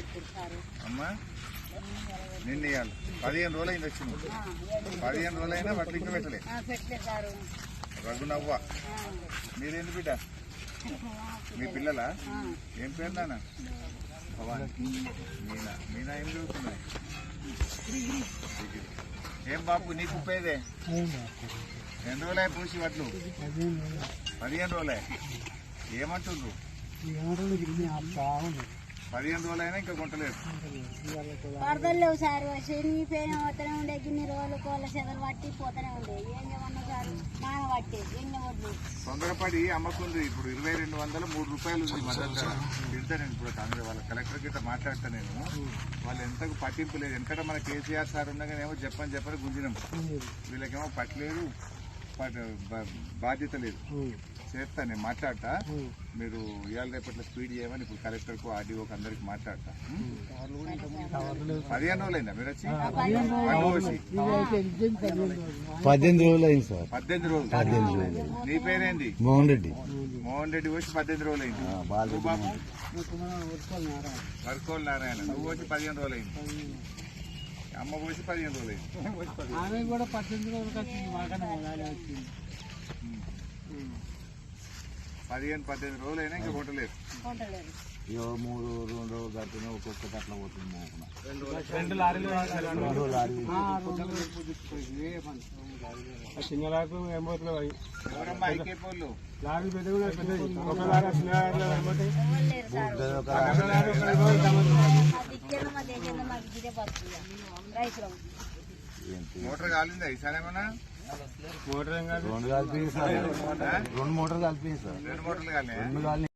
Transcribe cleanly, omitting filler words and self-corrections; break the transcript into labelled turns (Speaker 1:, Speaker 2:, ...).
Speaker 1: అమ్మా నిన్న ఇవ్వాలి 15 రోజులు అయింది వచ్చింది 15 రోజులు అయినా వడ్లు ఇంకా పెట్టలే రఘునవ్వ మీరేంటి బిడ్డ మీ పిల్లలా ఏం పేరు నాన్న మీనా మీనా ఏం చదువుతున్నాయి ఏం బాబు నీకు ఉపయోగే 2 రోజులే పూసి వడ్లు 15 రోజులే ఏమంటుండ్రు 15 రోజులైనా ఇంకా కొంటలేదు
Speaker 2: వరదలు లేవు సార్ శనిపోయిన పోతూనే ఉండే గిన్ని రోజులు కోళ్ళ చెదలు పట్టి పోతూనే ఉండే ఏం చేయమన్నా సార్ నాన పట్టి ఎన్ని వడ్లు
Speaker 1: తొందరపడి అమ్మకుంది ఇప్పుడు 2200 3 రూపాయలు ఉంది మద్దతు తింటా నేను ఇప్పుడు కాంగ్రెస్ వాళ్ళ కలెక్టర్ గిట్ట మాట్లాడతా నేను వాళ్ళు ఎంతకు పట్టింపు లేదు ఎందుకంటే మన కేసీఆర్ సార్ ఉండగానేమో చెప్పని గుంజినాం వీళ్ళకేమో పట్టలేదు బాధ్యత లేదు చేస్తా నేను మాట్లాడతా మీరు ఇవాళ రేపట్లో స్పీడ్ చేయమని ఇప్పుడు కలెక్టర్కు ఆర్డీఓకి అందరికి మాట్లాడతా 15 రోజులైందా మీరు వచ్చి
Speaker 3: 18 రోజులు అయింది సార్
Speaker 1: 18 రోజులు నీ పేరేంది
Speaker 3: మోహన్ రెడ్డి
Speaker 1: వచ్చి 18 రోజులు అయింది బాబు వర్కోల్ నారాయణ నువ్వు వచ్చి 15 రోజులు అయింది అమ్మ పోసి 15 రోజులు అయింది 15 రోజులైనా ఇంకా కొట్టలేదు
Speaker 3: 3 రోజులు కట్టిన ఒక్కొక్కటి అట్లా పోతుంది
Speaker 4: చిన్న లాకు ఏమవుతున్నావు
Speaker 1: ఎవరమ్మా ఐకేపోళ్ళు
Speaker 4: లారీ పెద్ద
Speaker 1: మోటార్ కాలిందా ఈసారి ఏమన్నా
Speaker 4: మోటార్
Speaker 3: రెండు మోటార్లు కలిపి సార్
Speaker 1: 2 మోటార్లు కాలే